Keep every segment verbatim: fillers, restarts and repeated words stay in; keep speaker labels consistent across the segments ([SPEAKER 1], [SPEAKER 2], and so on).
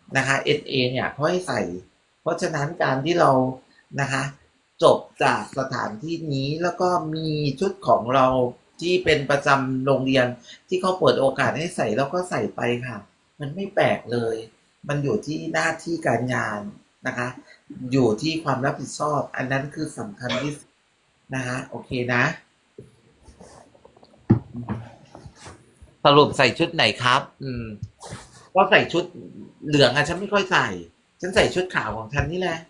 [SPEAKER 1] นะคะ เอ็น เอ เนี่ยเขาให้ใส่ เพราะฉะนั้นการที่เรานะคะจบจากสถานที่นี้แล้วก็มีชุดของเราที่เป็นประจำโรงเรียนที่เขาเปิดโอกาสให้ใส่แล้วก็ใส่ไปค่ะมันไม่แปลกเลยมันอยู่ที่หน้าที่การงานนะคะอยู่ที่ความรับผิดชอบอันนั้นคือสำคัญที่สุดนะคะโอเคนะสรุปใส่ชุดไหนครับอืมก็ใส่ชุดเหลืองอะฉันไม่ค่อยใส่ฉันใส่ชุดขาวของฉันนี่แหละ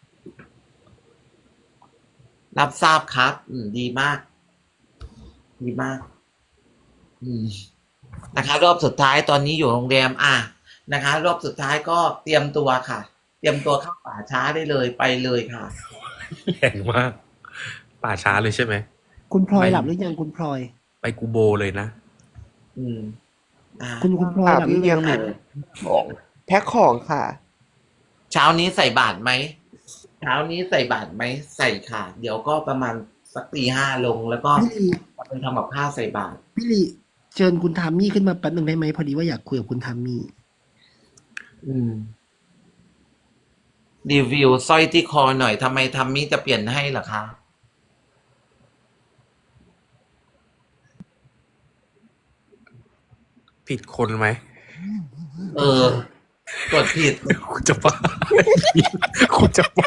[SPEAKER 1] รับทราบครับอืมดีมากดีมากอืม นะคะรอบสุดท้ายตอนนี้อยู่โรงแรมอ่ะนะคะรอบสุดท้ายก็เตรียมตัวค่ะเตรียมตัวเข้าป่าช้าได้เลยไปเลยค่ะ
[SPEAKER 2] แรงมากป่าช้าเลยใช่ไหม
[SPEAKER 3] คุณพลอย
[SPEAKER 2] ไม่
[SPEAKER 3] หลับหรือยังคุณพลอย
[SPEAKER 2] ไปกูโบเลยนะ
[SPEAKER 1] อืมอ่า
[SPEAKER 3] คุณคุณพลอย
[SPEAKER 4] ค่ะ
[SPEAKER 3] หลับห
[SPEAKER 4] พี่เลี้ยงหนู
[SPEAKER 3] รือยังคะ
[SPEAKER 4] ของแพ็คของค่ะ
[SPEAKER 1] เช้านี้ใส่บาตรไหมเช้านี้ใส่บาตรไหมใส่ค่ะเดี๋ยวก็ประมาณสักตีห้าลงแล้วก็
[SPEAKER 3] พี่ลี
[SPEAKER 1] ไปทำกับข้าวใส่บาตร
[SPEAKER 3] พี่ลีเชิญคุณทามมี่ขึ้นมาแป๊บหนึ่งได้ไหมพอดีว่าอยากคุยกับคุณทามมี่
[SPEAKER 1] อืมรีวิวสร้อยที่คอหน่อยทำไมทำมิจะเปลี่ยนให้เหรอคะ
[SPEAKER 2] ผิดคนไหม
[SPEAKER 1] เออกดผิด
[SPEAKER 2] คุณจะบ้าคุณจะบ้า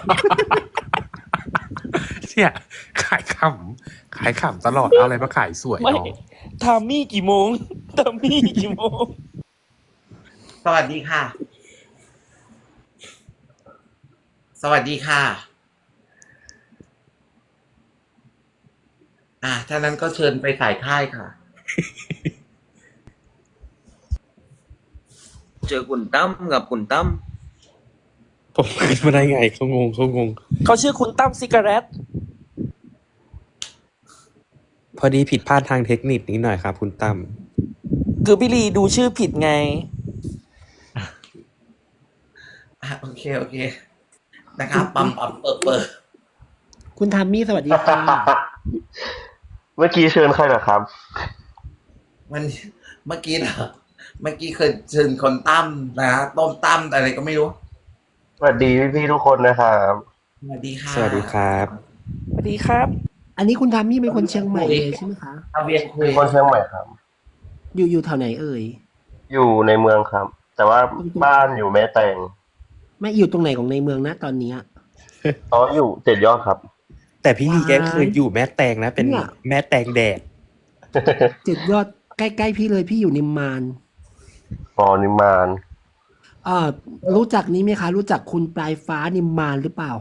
[SPEAKER 2] เนี่ยขายขำขายขำตลอดเอาอะไรมาขายสวย
[SPEAKER 5] ไม่
[SPEAKER 2] น้อง
[SPEAKER 5] ทามมี่กี่โมงทามมี่กี่โมง
[SPEAKER 1] สวัสดีค่ะสวัสดีค่ะอ่ะถ้านั้นก็เชิญไปสายค่ายค่ะ
[SPEAKER 6] เจอคุณตั้มกับคุณตั้ม
[SPEAKER 2] ผมขึ้นมาได้ไงเขางงเขางง
[SPEAKER 5] เขาชื่อคุณตั้มซิการ์ต
[SPEAKER 2] พอดีผิดพลาดทางเทคนิคนิดหน่อยครับคุณตั้ม
[SPEAKER 5] คือพี่ลีดูชื่อผิดไง
[SPEAKER 1] อ่ะโอเคโอเคนะครับปั๊มปั๊มเปิดเปิด
[SPEAKER 3] คุณทามมี่สวัสดีค่ะ
[SPEAKER 4] เมื่อกี้เชิญใครเหรอครับ
[SPEAKER 1] มันเมื่อกี้นะเมื่อกี้เคยเชิญคนตั้มนะต้มตั้มอะไรก็ไม่รู้
[SPEAKER 4] สวัสดีพี่ๆทุกคนนะครับ
[SPEAKER 1] สวัสดีค่ะ
[SPEAKER 2] สวัสดีครับ
[SPEAKER 5] สวัสดีครับ
[SPEAKER 3] อันนี้คุณทามมี่เป็นคนเชียงใหม่เลยใช่ไหมคะ
[SPEAKER 1] เอาเวียนคุย
[SPEAKER 4] เป็นคนเชียงใหม่ครับ
[SPEAKER 3] อยู่อยู่แถวไหนเอ่ย
[SPEAKER 4] อยู่ในเมืองครับ แต่ว่าบ้านอยู่แม่แตง
[SPEAKER 3] ไม่อยู่ตรงไหนของในเมืองนะตอนเนี้ย
[SPEAKER 4] อ๋ออยู่เจ็ดยอดครับ
[SPEAKER 2] แต่พี่ลีแก
[SPEAKER 3] ว้าย
[SPEAKER 2] เคยอยู่แม่แตงนะ เป็น
[SPEAKER 3] เนี่ย
[SPEAKER 2] แม่แตงแดด
[SPEAKER 3] เจ็ดยอดใกล้ๆพี่เลยพี่อยู่นิมมาน
[SPEAKER 4] ปอนิมาน
[SPEAKER 3] เอ่อรู้จักนี้ไหมคะ รู้จักคุณปลายฟ้านิมมานหรือเปล่า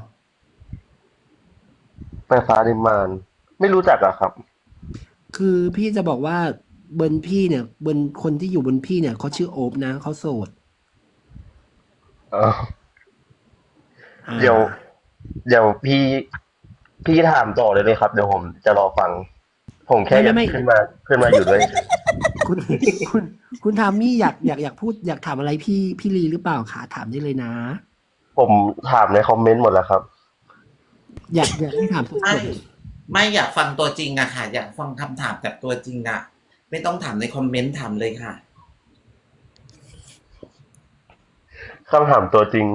[SPEAKER 4] ไฟฟ้านิมาน ไม่รู้จักอะครับ
[SPEAKER 3] คือพี่จะบอกว่าบนพี่เนี่ยบนคนที่อยู่บนพี่เนี่ยเขาชื่อโอบนะเขาโสด
[SPEAKER 4] เออ
[SPEAKER 3] อ่า
[SPEAKER 4] เดี๋ยวเดี๋ยวพี่พี่ถามต่อเลยเลยครับ เดี๋ยวผมจะรอฟัง ผมแค่อยากขึ้นมาขึ้นมาอยู่ด้วย
[SPEAKER 3] คุณคุณคุณทามมี่อยากอยากอยากพูดอยากถามอะไรพี่พี่ลีหรือเปล่าคะถามได้เลยนะ
[SPEAKER 4] ผมถามในคอมเมนต์หมดแล้วครับ
[SPEAKER 3] อยากอยากให้ถามส
[SPEAKER 1] ไม่
[SPEAKER 3] ด
[SPEAKER 1] ไม่อยากฟังตัวจริงอะค่ะ อยากฟังคำถามจากตัวจริงอะไม่ต้องถามในคอมเมนต์ถามเลยค่ะ
[SPEAKER 4] คำถามตัวจริง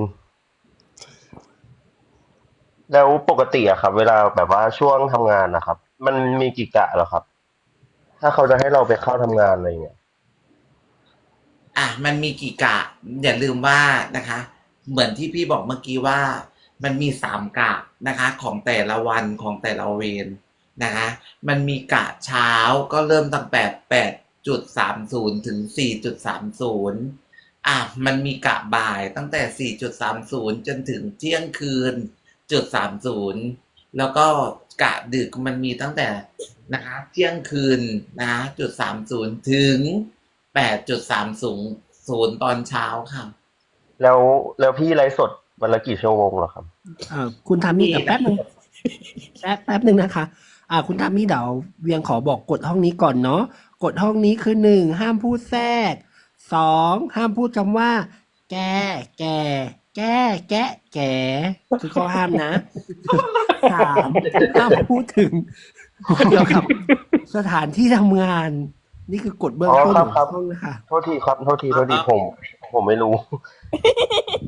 [SPEAKER 4] แล้วปกติอะครับ เวลาแบบว่าช่วงทำงานนะครับ มันมีกี่กะเหรอครับ ถ้าเขาจะให้เราไปเข้าทำงานอะไรเงี้ย
[SPEAKER 1] อ่ะมันมีกี่กะอย่าลืมว่านะคะ เหมือนที่พี่บอกเมื่อกี้ว่า มันมีสามกะนะคะ ของแต่ละวันของแต่ละเวรนะคะมันมีกะเช้าก็เริ่มตั้งแต่แปดจุดสามศูนย์ถึงสี่จุดสามศูนย์อ่ะมันมีกะบ่ายตั้งแต่สี่จุดสามศูนย์จนถึงเที่ยงคืนจุดสามศูนย์แล้วก็กะดึกมันมีตั้งแต่นะคะเที่ยงคืนนะคะจุดสามศูนย์ถึงแปดจุดสามศูนย์ศูนย์ตอนเช้าค่ะ
[SPEAKER 4] แล้วแล้วพี่ไลฟ์สดวันละกี่ชั่วโมงเหรอครับ
[SPEAKER 3] ๆเอ่อคุณทามมี่กับแป๊บนึงแป๊บแป๊บนึงนะคะ อ่า คุณทามมี่เดี๋ยวเวียงขอบอกกฎห้องนี้ก่อนเนาะกฎห้องนี้คือหนึ่งห้ามพูดแทรกสองห้ามพูดคำว่า แกแกแกแกะแกคือข้อห้ามนะสามห้ามพูดถึงเกี่ยวกับสถานที่ทำงาน นี่คือกฎเบื้อง
[SPEAKER 4] อ๋อ
[SPEAKER 3] ต้น
[SPEAKER 4] ครับ
[SPEAKER 3] ของ
[SPEAKER 4] ครับ
[SPEAKER 3] ห้องนะคะ
[SPEAKER 4] โทษทีครับ โทษที โทษที ผม ผมไม่รู้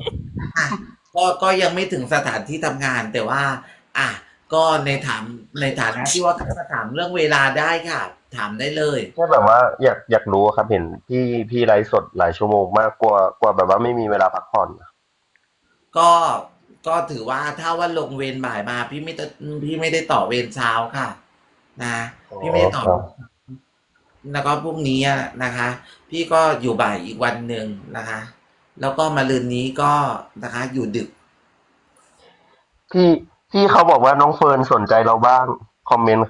[SPEAKER 1] อ่ะก็ก็ยังไม่ถึงสถานที่ทำงานแต่ว่า อ่ะก็ในถามในฐานะที่ว่าจะถามเรื่องเวลาได้ค่ะ ถามได้เลย
[SPEAKER 4] แค่แบบว่าอยากอยากรู้ครับเห็นพี่พี่ไลฟ์สดหลายชั่วโมงมากกว่ากว่าแบบว่าไม่มีเวลาพักผ่อน
[SPEAKER 1] ก็ก็ถือว่าถ้าว่าลงเวรบ่ายมาพี่ไม่ได้พี่ไม่ได้ต่อเวรเช้าค่ะ นะ
[SPEAKER 4] อ๋อ
[SPEAKER 1] พี่ไม่ได้ต่อ
[SPEAKER 4] ครับ
[SPEAKER 1] แล้วก็พรุ่งนี้อะนะคะ พี่ก็อยู่บ่ายอีกวันหนึ่งนะคะ แล้วก็มะรืนนี้ก็นะคะ อยู่ดึก
[SPEAKER 4] พี่พี่เขาบอกว่าน้องเฟิร์นสนใจเราบ้างคอมเมนต์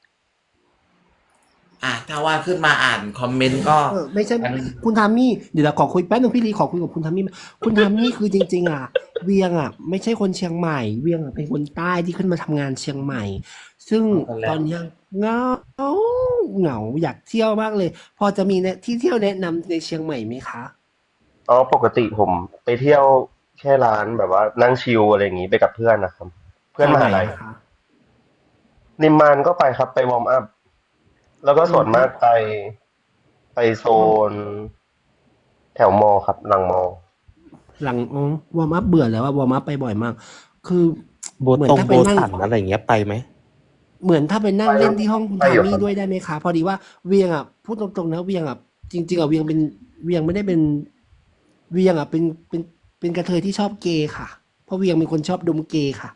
[SPEAKER 1] อ่ะถ้าว่าขึ้นมาอ่านคอมเมนต์ก็
[SPEAKER 3] เออไม่ใช่
[SPEAKER 1] อัน
[SPEAKER 3] คุณทามมี่เดี๋ยวเราขอคุยแป๊บนึงพี่ลีขอคุยกับคุณทามมี่คุณทามมี่คือจริง ๆ อ่ะ เวียงอ่ะ ไม่ใช่คนเชียงใหม่ เวียงอ่ะเป็นคนใต้ที่ขึ้นมาทำงานเชียงใหม่ ซึ่ง
[SPEAKER 1] เอากันแล้ว
[SPEAKER 3] ตอนเนี้ยเหงาเหงาอยากเที่ยวมากเลย พอจะมีเนี่ยที่เที่ยวแนะนำในเชียงใหม่ไหมคะ
[SPEAKER 4] อ๋อปกติผมไปเที่ยวแค่ร้านแบบว่านั่งชิลอะไรอย่างงี้ไปกับเพื่อนนะครับ เพื่อน
[SPEAKER 3] แถว
[SPEAKER 4] ม
[SPEAKER 3] ไหน
[SPEAKER 4] หาลัย
[SPEAKER 3] อะคะ
[SPEAKER 4] นิมมานก็ไปครับไปวอร์มอัพแล้วก็
[SPEAKER 3] อื
[SPEAKER 4] ส่ว
[SPEAKER 3] ม
[SPEAKER 4] นมากไปไปโซ
[SPEAKER 3] วอร์ม
[SPEAKER 4] น แถวมอครับหลังมอ
[SPEAKER 3] หลังอ๋อวอร์มอัพเบื่อแล้วว่าวอร์มอัพไปบ่อยมาก คือ
[SPEAKER 2] โบ
[SPEAKER 3] เหมือน
[SPEAKER 2] ตรง
[SPEAKER 3] ถ้า
[SPEAKER 2] โบ
[SPEAKER 3] ไปนั่ง
[SPEAKER 2] สันอะไรอย่างเงี้ยไปไหม
[SPEAKER 3] เหมือนถ้าไปนั่ง
[SPEAKER 4] ไป
[SPEAKER 3] เล่นที่ห้องคุณ
[SPEAKER 4] ไป
[SPEAKER 3] ทา
[SPEAKER 4] อยู่
[SPEAKER 3] มี่
[SPEAKER 4] ครับ
[SPEAKER 3] ด้วยได้ไหมคะ พอดีว่าเวียงอ่ะพูดตรงๆนะเวียงอ่ะจริง ๆอ่ะเวียงเป็นเวียงไม่ได้เป็นเวียงอ่ะเป็นเป็นเป็นกระเทยที่ชอบเกย์ค่ะ เพราะเวียงเป็นคนชอบดมเกย์ค่ะ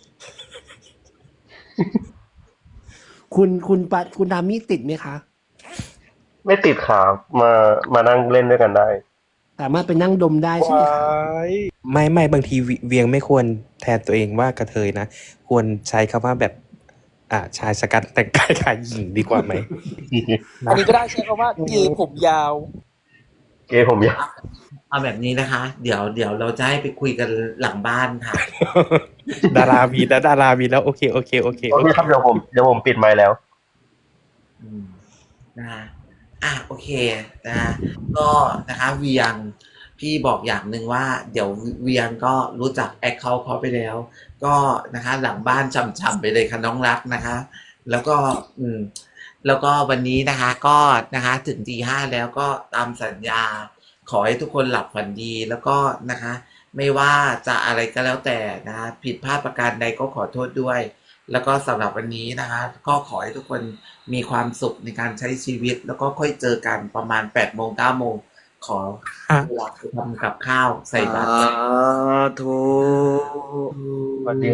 [SPEAKER 3] คุณคุณปะคุณทามี่ติดไหมคะ
[SPEAKER 4] ไม่ติดครับมามานั่งเล่นด้วยกันได้
[SPEAKER 3] สามารถไปนั่งดมได้ใช่ไหมคะ
[SPEAKER 2] ไม่ไม่บางทีเวียงไม่ควรแทนตัวเองว่ากระเทยนะ ควรใช้คำว่าแบบ อ่าชายชะกันแต่งกายคล้ายหญิงดีกว่าไหม
[SPEAKER 5] อันนี้ก็ได้ใช้คำว่าเกย์ผมยาว
[SPEAKER 4] เกย์ผมอยาก
[SPEAKER 1] เอาแบบนี้นะคะ เดี๋ยวเดี๋ยวเราจะให้ไปคุยกันหลังบ้านค่ะ
[SPEAKER 2] ดารามีแล้วดารามีแล้วโอเคโอเคโอเค
[SPEAKER 4] โอ
[SPEAKER 2] โอ
[SPEAKER 4] เค
[SPEAKER 2] เค
[SPEAKER 4] ครับเดี๋ยวผมเดี๋ยวผมปิดไมค์แล้ว
[SPEAKER 1] อืมนะคะอ่ะโอเคนะก็นะคะเวียงพี่บอกอย่างหนึ่งว่า เดี๋ยวเวียงก็รู้จักแอคเคาท์เขาไปแล้ว ก็นะคะ หลังบ้านช่ำๆไปเลยค่ะน้องรักนะคะ แล้วก็อืม แล้วก็วันนี้นะคะ ก็นะคะ ถึงตีห้าแล้วก็ตามสัญญา ขอให้ทุกคนหลับฝันดีแล้วก็นะคะ ไม่ว่าจะอะไรก็แล้วแต่นะคะผิดพลาดประการใดก็ขอโทษด้วย แล้วก็สำหรับวันนี้นะคะ ก็ขอให้ทุกคนมีความสุขในการใช้ชีวิต แล้วก็ค่อยเจอกันประมาณแปดโมงเก้าโมงขอ
[SPEAKER 2] ฮะ
[SPEAKER 1] เวลาไปทำกับข้าวใส่บาตร
[SPEAKER 6] สาธุ
[SPEAKER 4] สวัสดี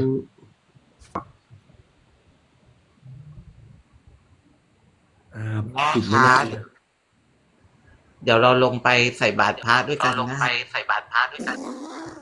[SPEAKER 3] อ่า
[SPEAKER 1] แม่
[SPEAKER 3] ปิดไม่
[SPEAKER 1] คะ
[SPEAKER 3] ได้
[SPEAKER 1] เดี๋ยวเราลงไปใส่บาตรพระด้วยกันนะใส่บาตรพระด้วยกัน